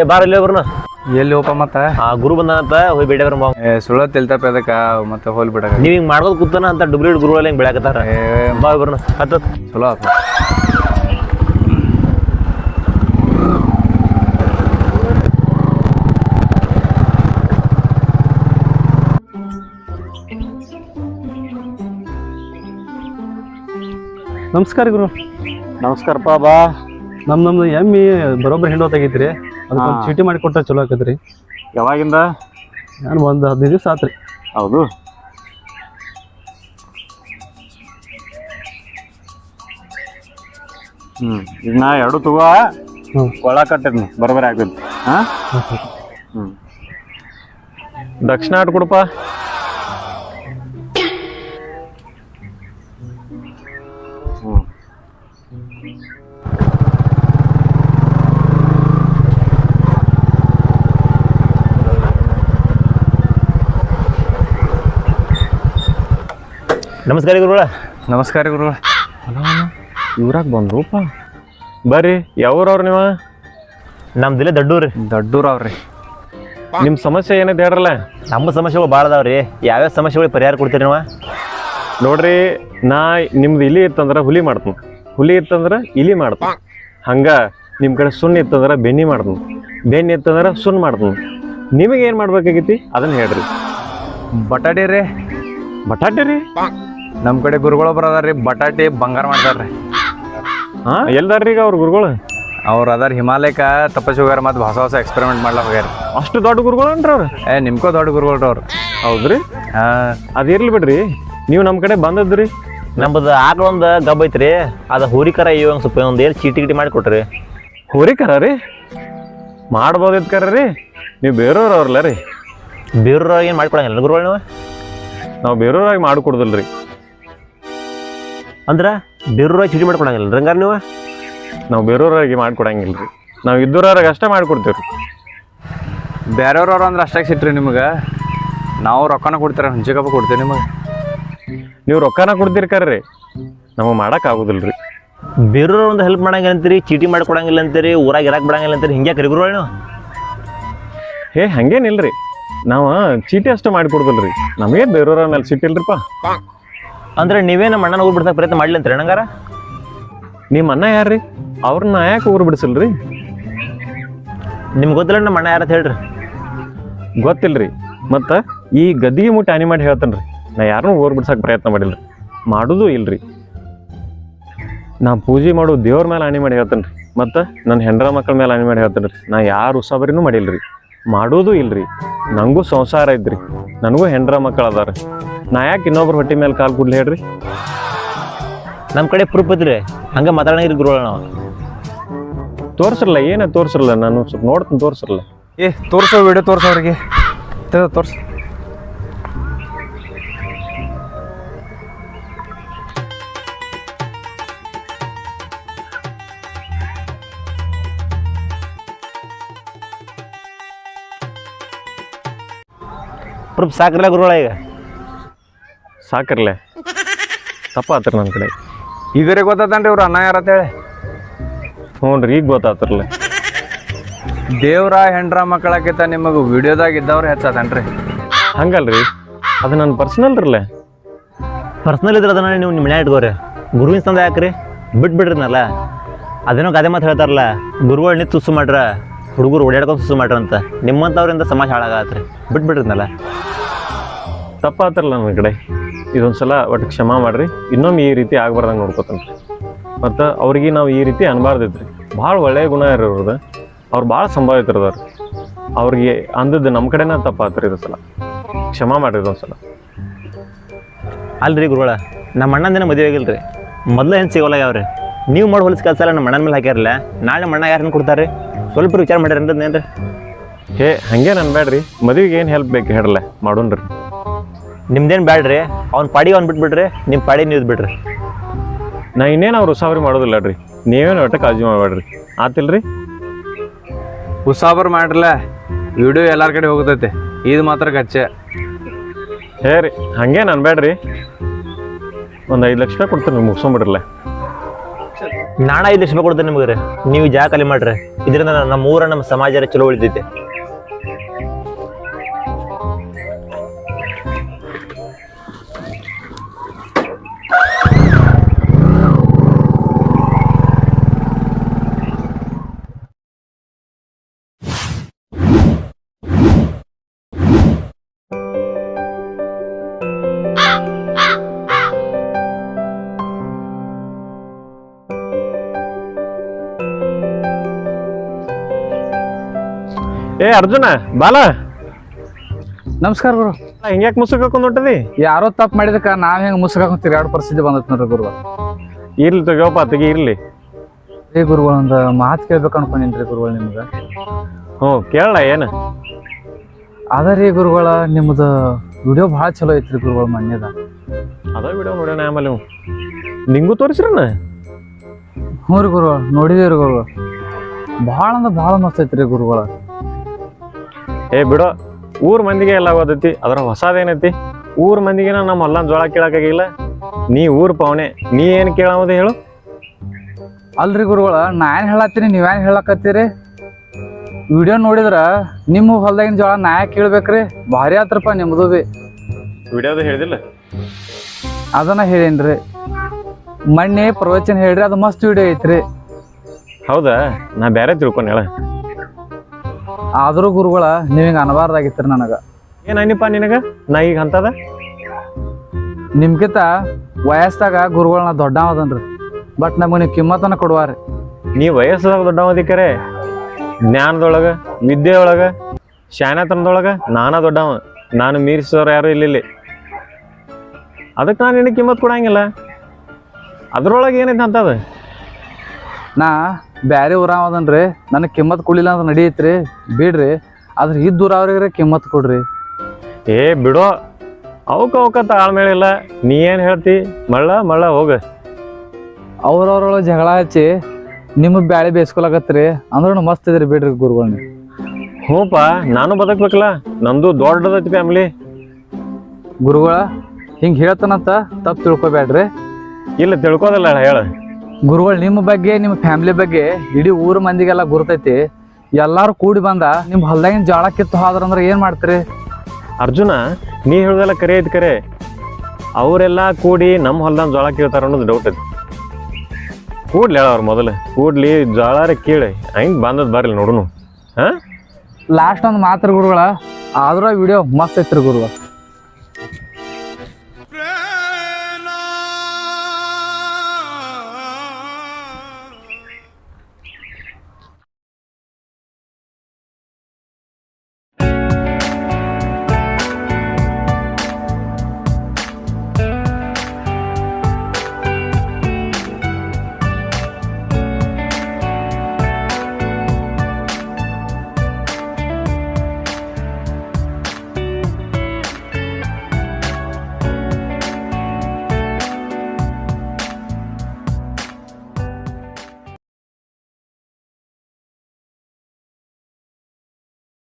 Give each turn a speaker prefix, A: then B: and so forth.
A: ಏ ಬಾರ ಇಲ್ಲಿ ಬರ್ನ
B: ಎಲ್ಲಿ ಹೋಪ ಮತ್ತೆ
A: ಗುರು ಬಂದಾನಂತ ಹೋಗಿ ಬೇಡ ಬರ
B: ಸುಳ್ಳ ತಿಳ್ತಪ್ಪ ಅದಕ್ಕೆ ಮತ್ತೆ ಹೋಲ್ ಬಿಡ
A: ನೀವ್ ಹಿಂಗ್ ಮಾಡೋದ್ ಕೂತಾನ ಅಂತ ಡುಬ್ಲಿಡ್ ಗುರುಗಳು ಹಿಂಗ್ ಬೆಳಕತ್ತಾರ ಬಾ ಬರ್ನ ಹತ್ತ
B: ಚಲೋ ಆತ
C: ನಮಸ್ಕಾರ ಗುರು.
A: ನಮಸ್ಕಾರಪ್ಪ ಬಾ.
C: ನಮ್ದು ಎಮ್ಮಿ ಬರೋಬ್ಬರಿ ಹಿಂಡೋ ತೆಗೈತ್ರಿ, ಅದಕ್ಕೊಂದು ಚೀಟಿ ಮಾಡಿ ಕೊಟ್ರೆ ಚಲೋ ಆಕತ್ರಿ.
A: ಯಾವಾಗಿಂದ?
C: ನಾನು ಒಂದು 15 ದಿವಸ ಆತ್ರಿ.
A: ಹೌದು. ಈಗ ನಾ ಎರಡು ತಗೋ ಕೊಳ ಕಟ್ಟಿದ್ನಿ ಬರೋಬ್ಬರಿ ಆಗ್ತೈತಿ. ದಕ್ಷಿಣ ಆಟ ಕೊಡಪ್ಪ. ನಮಸ್ಕಾರ ಗುರುಗಳ.
B: ನಮಸ್ಕಾರ ಗುರುಗಳ.
A: ಇವ್ರಾಗ ಬಂದ್ರೂಪ. ಬರ್ರಿ, ಯಾವ್ರವ್ರ ನೀವು? ನಮ್ದಿಲ್ಲ ದಡ್ಡೂರಿ.
B: ದಡ್ಡೂರ್ ಅವ್ರಿ.
A: ನಿಮ್ಮ ಸಮಸ್ಯೆ ಏನೈತೆ ಹೇಳ್ರಲ್ಲ. ನಮ್ಮ ಸಮಸ್ಯೆಗಳು ಭಾಳ ಅದಾವ್ರಿ. ಯಾವ್ಯಾವ ಸಮಸ್ಯೆಗಳಿಗೆ ಪರಿಹಾರ ಕೊಡ್ತೀರಿ ನೀವು? ನೋಡ್ರಿ, ನಾ ನಿಮ್ದು ಇಲಿ ಇತ್ತಂದ್ರೆ ಹುಲಿ ಮಾಡ್ತೀನಿ, ಹುಲಿ ಇತ್ತಂದ್ರೆ ಇಲಿ ಮಾಡ್ತೀನಿ. ಹಂಗೆ ನಿಮ್ಮ ಕಡೆ ಸುಣ್ಣ ಇತ್ತಂದ್ರೆ ಬೆನ್ನಿ ಮಾಡ್ತೀನಿ, ಬೆನ್ನಿ ಇತ್ತಂದ್ರೆ ಸುಣ್ಣ ಮಾಡ್ತೀನಿ. ನಿಮಗೆ ಏನು ಮಾಡ್ಬೇಕಾಗೈತಿ ಅದನ್ನು ಹೇಳ್ರಿ.
B: ಬಟಾಟಿ ರೀ.
A: ಬಟಾಟೆ ರೀ?
B: ನಮ್ಮ ಕಡೆ ಗುರುಗಳು ಬರೋದಾರ್ರಿ, ಬಟಾಟಿ ಬಂಗಾರ ಮಾಡ್ತಾರ್ರಿ.
A: ಹಾಂ, ಎಲ್ದಾರ್ರಿ ಈಗ ಅವ್ರ ಗುರುಗಳು?
B: ಅವ್ರು ಅದಾರ ಹಿಮಾಲಯಕ್ಕೆ ತಪಸ್ಸು ಹೋಗ್ಯಾರ, ಮತ್ತು ಹೊಸ ಎಕ್ಸ್ಪೆರಿಮೆಂಟ್ ಮಾಡ್ಲಾಕ ಹೋಗ್ಯಾರ.
A: ಅಷ್ಟು ದೊಡ್ಡ ಗುರುಗಳು ಅನ್ರಿ ಅವ್ರು?
B: ನಿಮ್ಕೋ ದೊಡ್ಡ ಗುರುಗಳ್ರಿ ಅವ್ರು.
A: ಹೌದ್ರಿ? ಅದಿರ್ಲಿ ಬಿಡ್ರಿ, ನೀವು ನಮ್ಮ ಕಡೆ ಬಂದದ್ರಿ. ನಮ್ಮದು ಆಕಳ ಒಂದು ಗಬ್ಬ ಐತ್ರಿ, ಅದು ಹೋರಿಕರ ಇವಂಗೆ ಸ್ವಲ್ಪ ಒಂದು ಏನು ಚೀಟಿ ಗಿಟಿ ಮಾಡಿ ಕೊಟ್ರಿ. ಹೋರಿಕರ ರೀ? ಮಾಡ್ಬೋದಿತ್ತು ಕರ ರೀ. ನೀವು ಬೇರೆಯವ್ರು ಅವ್ರಲ್ಲ ರೀ? ಬೇರೆಯವ್ರಾಗ ಏನು ಮಾಡಿಕೊಡಂಗಿಲ್ಲ ಗುರುಗಳು ನೀವು? ನಾವು ಬೇರೆಯವ್ರಾಗಿ ಮಾಡಿಕೊಡ್ದಲ್ರಿ. ಅಂದ್ರೆ ಬೇರೆಯವ್ರಾಗಿ ಚೀಟಿ ಮಾಡ್ಕೊಡಂಗಿಲ್ಲ ರೀ ಹಂಗಾರೆ ನೀವು? ನಾವು ಬೇರೆಯವ್ರಾಗಿ ಮಾಡಿಕೊಡಂಗಿಲ್ಲ ರೀ, ನಾವು ಇದ್ದವ್ರಾಗ ಅಷ್ಟೇ ಮಾಡಿಕೊಡ್ತೀವಿ ರೀ.
B: ಬೇರೆಯವ್ರವ್ರು ಅಂದ್ರೆ ಅಷ್ಟಾಗಿ ಸಿಟ್ರಿ ನಿಮಗೆ. ನಾವು ರೊಕ್ಕನ ಕೊಡ್ತೀರ, ಹಂಚಿಕಪ್ಪ ಕೊಡ್ತೀವಿ ನಿಮಗೆ.
A: ನೀವು ರೊಕ್ಕನ ಕೊಡ್ತೀರಿ ಕರ್ರಿ, ನಮಗೆ ಮಾಡೋಕ್ಕಾಗೋದಿಲ್ಲ ರೀ. ಬೇರೆಯವ್ರು ಒಂದು ಹೆಲ್ಪ್ ಮಾಡಂಗಿಲ್ಲ ಅಂತೀರಿ, ಚೀಟಿ ಮಾಡಿಕೊಡಂಗಿಲ್ಲ ಅಂತೀರಿ, ಊರಾಗ ಇರಕ್ಕೆ ಬಿಡಂಗಿಲ್ಲ ಅಂತೀರಿ, ಹಿಂಗೆ ಕರಿ ಗುರುಗಳು ನೀವು? ಹೇ ಹಂಗೇನಿಲ್ಲ ರೀ, ನಾವು ಚೀಟಿ ಅಷ್ಟೇ ಮಾಡಿಕೊಡ್ದಲ್ಲ ರೀ, ನಮಗೆ ಬೇರೆಯವ್ರ ಮೇಲೆ ಸಿಟ್ಟಿಲ್ರಿಪ್ಪ. ಅಂದ್ರೆ ನೀವೇ ನಮ್ಮ ಅಣ್ಣನ ಊರು ಬಿಡ್ಸಕ್ಕೆ ಪ್ರಯತ್ನ ಮಾಡ್ಲಿ ಅಂತೀರಿ ಹಂಗಾರ? ನಿಮ್ಮ ಅಣ್ಣ ಯಾರ್ರಿ? ಅವ್ರನ್ನ ಯಾಕೆ ಊರು ಬಿಡಿಸಲ್ರಿ? ನಿಮ್ಗೆ ಗೊತ್ತಿಲ್ಲ ನಮ್ಮ ಅಣ್ಣ ಯಾರಂತ ಹೇಳ್ರಿ. ಗೊತ್ತಿಲ್ಲ ರೀ, ಮತ್ತು ಈ ಗದ್ದಿಗೆ ಮುಟ್ಟಿ ಹಾನಿ ಮಾಡಿ ಹೇಳ್ತಾನೆ ರೀ. ನಾ ಯಾರನ್ನೂ ಊರು ಬಿಡ್ಸಕ್ಕೆ ಪ್ರಯತ್ನ ಮಾಡಿಲ್ಲ ರೀ, ಮಾಡೋದು ಇಲ್ರಿ. ನಾ ಪೂಜೆ ಮಾಡೋ ದೇವ್ರ ಮೇಲೆ ಹಾನಿ ಮಾಡಿ ಹೇಳ್ತಾನೆ ರೀ, ಮತ್ತು ನನ್ನ ಹೆಂಡ್ರ ಮಕ್ಕಳ ಮೇಲೆ ಹಾನಿ ಮಾಡಿ ಹೇಳ್ತಾನೆ ರೀ. ನಾ ಯಾರು ಉಸಾಬರಿನೂ ಮಾಡಿಲ್ಲ ರೀ, ಮಾಡೋದು ಇಲ್ರಿ. ನನಗೂ ಸಂಸಾರ ಐತ್ರಿ, ನನಗೂ ಹೆಂಡ್ರ ಮಕ್ಕಳು ಅದಾರ. ನಾ ಯಾಕೆ ಇನ್ನೊಬ್ರು ಹೊಟ್ಟೆ ಮೇಲೆ ಕಾಲು ಕೂಡ್ಲಿ ಹೇಳ್ರಿ? ನಮ್ಮ ಕಡೆ ಪ್ರೂಫ್ ಐತ್ರಿ, ಹಂಗೆ ಮಾತಾಡಂಗಿರಿ ಗುರುಗಳು. ನಾವು ತೋರ್ಸಿರಲ್ಲ, ಏನೇ ತೋರ್ಸಿರಲ್ಲ, ನಾನು ಸ್ವಲ್ಪ ನೋಡ್ತೀನಿ, ತೋರ್ಸಿರಲ್ಲ.
B: ತೋರ್ಸೋ ವಿಡಿಯೋ ತೋರ್ಸೋ ಅವ್ರಿಗೆ, ತೋರ್ಸು.
A: ಪ್ರೂಫ್ ಸಾಕ್ರಲ್ಲ ಗುರುಗಳ? ಈಗ ಸಾಕ್ರಲ್ಲ, ತಪ್ಪಾತ್ರಿ ನನ್ನ ಕಡೆ.
B: ಈಗರೇ ಗೊತ್ತಾತನ್ರಿ ಇವ್ರು ಅಣ್ಣ ಯಾರತ್ತೇಳಿ?
A: ಹ್ಞೂ ರೀ, ಈಗ ಗೊತ್ತಾತ್ರಲ್ಲ.
B: ದೇವ್ರ ಹೆಂಡ್ರ ಮಕ್ಕಳಕ್ಕಿಂತ ನಿಮಗೆ ವಿಡಿಯೋದಾಗ ಇದ್ದವ್ರು ಹೆಚ್ಚಾತನ್ರಿ.
A: ಹಂಗಲ್ರಿ, ಅದು ನನ್ನ ಪರ್ಸನಲ್ ರೀ. ಪರ್ಸನಲ್ ಇದ್ರೆ ಅದನ್ನ ನೀವು ನಿಮ್ಮ ಮನೆ ಇಟ್ಕೋರಿ, ಗುರುವಿನ ತಂದ ಯಾಕ್ರಿ? ಬಿಟ್ಬಿಡ್ರಿನಲ್ಲ. ಅದೇನೋ ಗಾದೆ ಮಾತು ಹೇಳ್ತಾರಲ್ಲ, ಗುರುಗಳು ನಿಂತು ಸುಸ್ಸು ಮಾಡ್ರ, ಹುಡುಗರು ಓಡಾಡ್ಕೊಂಡು ಸುಸ್ಸು ಮಾಡ್ರ ಅಂತ. ನಿಮ್ಮಂಥವ್ರಿಂದ ಸಮಾಜ ಹಾಳಾಗತ್ರಿ, ಬಿಟ್ಬಿಡ್ರಿನಲ್ಲ. ತಪ್ಪಾತ್ರಲ್ಲ ನನ್ನ ಕಡೆ. ಇದೊಂದು ಸಲ ಒಟ್ಟು ಕ್ಷಮಾ ಮಾಡಿರಿ, ಇನ್ನೊಮ್ಮೆ ಈ ರೀತಿ ಆಗ್ಬಾರ್ದಂಗೆ ನೋಡ್ಕೊತಾನೆ. ಮತ್ತು ಅವ್ರಿಗೆ ನಾವು ಈ ರೀತಿ ಅನ್ಬಾರ್ದಿದ್ರಿ. ಭಾಳ ಒಳ್ಳೆಯ ಗುಣ ಇರೋದು, ಅವ್ರು ಭಾಳ ಸಂಭಾವಿತರದಾರ. ಅವ್ರಿಗೆ ಅಂದದ್ದು ನಮ್ಮ ಕಡೆನ ತಪ್ಪಾತ್ರಿ. ಇದೊಂದು ಸಲ ಕ್ಷಮಾ ಮಾಡಿರಿ. ಇದೊಂದು ಸಲ ಅಲ್ರಿ ಗುರುಗಳ, ನಮ್ಮ ಅಣ್ಣಂದೇನ ಮದುವೆ ಆಗಿಲ್ಲ ರೀ, ಮೊದಲೇ ಏನು ಸಿಗೋಲ್ಲ ಯಾವ್ರಿ. ನೀವು ಮಾಡಿ ಹೊಲಿಸ್ ಕೆಲಸ ಎಲ್ಲ ನಮ್ಮ ಅಣ್ಣನ ಮೇಲೆ ಹಾಕ್ಯಾರಲ್ಲ, ನಾಳೆ ನಮ್ಮ ಅಣ್ಣ ಯಾರನ್ನು ಕೊಡ್ತಾರೆ? ಸ್ವಲ್ಪ ವಿಚಾರ ಮಾಡ್ಯಾರ ಏನ್ರಿ? ಹೇ ಹಂಗೇನು ಅನ್ಬೇಡ್ರಿ, ಮದುವೆಗೆ ಏನು ಹೆಲ್ಪ್ ಬೇಕು ಹೇಳಲ್ಲ, ಮಾಡೋಣ್ರಿ. ನಿಮ್ದೇನು ಬ್ಯಾಡ್ರಿ, ಅವ್ನ ಪಾಡಿಗೆ ಅವ್ನು ಬಿಟ್ಬಿಡ್ರಿ, ನಿಮ್ಮ ಪಾಡಿ ನೀವು ಬಿಡ್ರಿ. ನಾ ಇನ್ನೇನು ಅವ್ರು ಉಸಾಬರಿ ಮಾಡೋದಿಲ್ಲ ರೀ, ನೀವೇನು ಒಟ್ಟು ಕಾಳಜಿ ಮಾಡಬೇಡ್ರಿ, ಆತಿಲ್ರಿ?
B: ಉಸಾಬರ್ ಮಾಡ್ರಲ್ಲ, ವಿಡಿಯೋ ಎಲ್ಲಾರ ಕಡೆ ಹೋಗ್ತೈತೆ, ಇದು ಮಾತ್ರ ಗಚ್ಚೆ.
A: ಹೇ ರೀ, ಹಂಗೇನು ಅನ್ಬೇಡ್ರಿ, ಒಂದು 5 ಲಕ್ಷ ರೂಪಾಯಿ ಕೊಡ್ತೀನಿ, ಮುಗಿಸ್ಕೊಂಬಿಡ್ರಲ್ಲ.
D: ನಾಣ 5 ಲಕ್ಷ ರೂಪಾಯಿ ಕೊಡ್ತೇನೆ ನಿಮ್ಗೆ ರೀ. ನೀವು ಜಾಗ ಖಾಲಿ ಮಾಡ್ರಿ. ಇದರಿಂದ ನಮ್ಮ ಊರ ನಮ್ಮ ಸಮಾಜ ಚಲೋ ಉಳಿತೈತೆ.
A: ಏ ಅರ್ಜುನ ಬಾಲ,
C: ನಮಸ್ಕಾರ ಗುರು.
A: ಹಿಂಗ್ಯಾಕ್ ಮುಸುಕ್ ಹಾಕೊಂಡ್ ಹೊಂಟದಿ?
C: ಯಾರೋ ತಪ್ಪು ಮಾಡಿದಕ್ಕ ನಾವ್ ಹೆಂಗ್ ಮುಸ್ಕಾಕೊಂಡ್ ತಿರ್ಗಾಡೋ ಪರಿಸ್ಥಿತಿ ಬಂದೈತಿ ನೋಡ್ರಿ ಗುರುಗಳು.
A: ಇರ್ಲಿ ತಗೋಪ್ಪ, ತೆಗಿ ಇರ್ಲಿ.
C: ಏ ಗುರುಗಳು, ಒಂದು ಮಾತು ಕೇಳ್ಬೇಕು ಅನ್ಕೊಂಡಿನ್ರಿ ಗುರುಗಳು ನಿಮ್ಗೆ.
A: ಹ್ಞೂ ಕೇಳಲ್ಲ ಏನು?
C: ಅದರಿ ಗುರುಗಳ, ನಿಮ್ದು ವಿಡಿಯೋ ಭಾಳ ಚಲೋ ಐತ್ರಿ ಗುರುಗಳು. ಮನ್ಯದ
A: ಅದ ವಿಡಿಯೋ ನೋಡ್ಯಾನ ಆಮೇಲೆ ನೀವು ನಿಂಗೂ ತೋರಿಸ್ರಣ್ಣ?
C: ಹ್ಞೂ ರೀ ಗುರುಗಳು, ನೋಡಿದೇವ್ರಿ ಗುರುಗಳು. ಭಾಳ ಅಂದ್ರೆ ಭಾಳ ಮಸ್ತ್ ಐತ್ರಿ ಗುರುಗಳ.
A: ಏ ಬಿಡೋ, ಊರ್ ಮಂದಿಗೆ ಎಲ್ಲ ಓದೈತಿ, ಅದ್ರ ಹೊಸದೇನೈತಿ? ಊರ್ ಮಂದಿಗೆ ನಮ್ಮ ಹೊಲ್ಲಾನ್ ಜೋಳ ಕೇಳಕ್ಕಾಗಿಲ್ಲ. ನೀ ಊರ್ ಪಾವನೆ, ನೀ ಏನು ಕೇಳಾಮದ ಹೇಳು?
C: ಅಲ್ರಿ ಗುರುಗಳ, ನಾ ಏನ್ ಹೇಳತ್ತೀನಿ, ನೀವೇನ್ ಹೇಳಕತ್ತೀರಿ? ವಿಡಿಯೋ ನೋಡಿದ್ರ ನಿಮ್ಮ ಹೊಲ್ದಾಗಿನ ಜೋಳ ನಾ ಯಾಕೆ ಕೇಳ್ಬೇಕ್ರಿ? ಭಾರಿ ಆತ್ರಪ್ಪ ನಿಮ್ದು ಬಿ.
A: ವಿಡಿಯೋದ ಹೇಳಿದಿಲ್ಲ?
C: ಅದನ್ನ ಹೇಳೇನ್ರಿ. ಮೊನ್ನೆ ಪ್ರವಚನ ಹೇಳ್ರಿ, ಅದು ಮಸ್ತ್ ವಿಡಿಯೋ ಐತ್ರಿ.
A: ಹೌದಾ? ನಾ ಬೇರೆ ತಿಳ್ಕೊಂಡು ಹೇಳ.
C: ಆದ್ರೂ ಗುರುಗಳ, ನೀವ್ ಹಿಂಗ ಅನಬಾರ್ದಾಗಿತ್ರಿ ನನಗ.
A: ಏನಪ್ಪ ನಿನಗ? ನಾ ಈಗ ಅಂತದ
C: ನಿಮ್ಗಿಂತ ವಯಸ್ಸಾಗ ಗುರುಗಳನ್ನ ದೊಡ್ಡವದನ್ರಿ. ಬಟ್ ನಮಗೆ ನೀವು ಕಿಮ್ಮತ್ತನ್ನ ಕೊಡುವಾರಿ.
A: ನೀ ವಯಸ್ಸದಾಗ ದೊಡ್ಡವದಿಕರೆ, ಜ್ಞಾನದೊಳಗ, ವಿದ್ಯೆಯೊಳಗ, ಶಾಣತನದೊಳಗ ನಾನಾ ದೊಡ್ಡವ. ನಾನು ಮೀರಿಸೋರು ಯಾರು ಇಲ್ಲಿ. ಅದಕ್ಕೆ ನಾನು ನಿನಗೆ ಕಿಮ್ಮತ್ ಕೊಡಂಗಿಲ್ಲ. ಅದ್ರೊಳಗೆ ಏನೈತೆ ಅಂತದ?
C: ನಾ ಬ್ಯಾರೆ ಊರಾವದನ್ರಿ, ನನಗೆ ಕಿಮ್ಮತ್ ಕೊಡ್ಲಿಲ್ಲ ಅಂತ ನಡೀತ್ರಿ, ಬಿಡ್ರಿ. ಆದ್ರೆ ಇದ್ದೂರ ಅವ್ರಿಗೆ ಕಿಮ್ಮತ್ ಕೊಡ್ರಿ.
A: ಏ ಬಿಡೋ, ಅವಕ್ಕ ತಾಳ್ಮೇಳಿಲ್ಲ. ನೀ ಏನು ಹೇಳ್ತಿ? ಮಳ್ಳ ಹೋಗ.
C: ಅವ್ರವ್ರೊಳಗೆ ಜಗಳ ಹಚ್ಚಿ ನಿಮಗೆ ಬ್ಯಾಳೆ ಬೇಯಿಸ್ಕೊಳಕತ್ರಿ ಅಂದ್ರೂ ಮಸ್ತ್ ಇದ್ರಿ, ಬಿಡ್ರಿ ಗುರುಗಳನ್ನ.
A: ಹ್ಞೂಪ್ಪ, ನಾನು ಬದುಕ್ಬೇಕಲ್ಲ. ನಮ್ದು ದೊಡ್ಡದೈತಿ ಫ್ಯಾಮಿಲಿ.
C: ಗುರುಗಳ ಹಿಂಗೆ ಹೇಳ್ತಾನಂತ ತಪ್ಪು ತಿಳ್ಕೊಬೇಡ್ರಿ.
A: ಇಲ್ಲ ತಿಳ್ಕೋದಲ್ಲ, ಹೇಳ.
C: ಗುರುಗಳು, ನಿಮ್ಮ ಬಗ್ಗೆ, ನಿಮ್ಮ ಫ್ಯಾಮಿಲಿ ಬಗ್ಗೆ ಇಡೀ ಊರ ಮಂದಿಗೆಲ್ಲ ಗುರ್ತೈತಿ. ಎಲ್ಲಾರು ಕೂಡಿ ಬಂದ ನಿಮ್ಮ ಹೊಲ್ದಾಗಿನ ಜೋಳ ಕಿತ್ತು ಹೋದ್ರಂದ್ರೆ ಏನು ಮಾಡ್ತೀರಿ?
A: ಅರ್ಜುನ, ನೀ ಹೇಳ್ದಲ್ಲ ಕರೆ ಐತಿ ಕರೆ. ಅವರೆಲ್ಲ ಕೂಡಿ ನಮ್ಮ ಹೊಲ್ದಾನ ಜೋಳ ಕೀಳ್ತಾರ ಅನ್ನೋದು ಡೌಟ್ ಐತಿ. ಕೂಡ್ಲಿ ಹೇಳ, ಅವ್ರು ಮೊದಲು ಕೂಡ್ಲಿ, ಜೋಳಾರ ಕೀಳಿ ಹೆಂಗೆ ಬಂದದ್ ಬರ್ಲಿ ನೋಡುನು. ಹಾಂ,
C: ಲಾಸ್ಟ್ ಒಂದು ಮಾತ್ರ ಗುರುಗಳ, ಆದ್ರೂ ವಿಡಿಯೋ ಮಸ್ತ್ ಐತ್ರಿ ಗುರುಗಳು.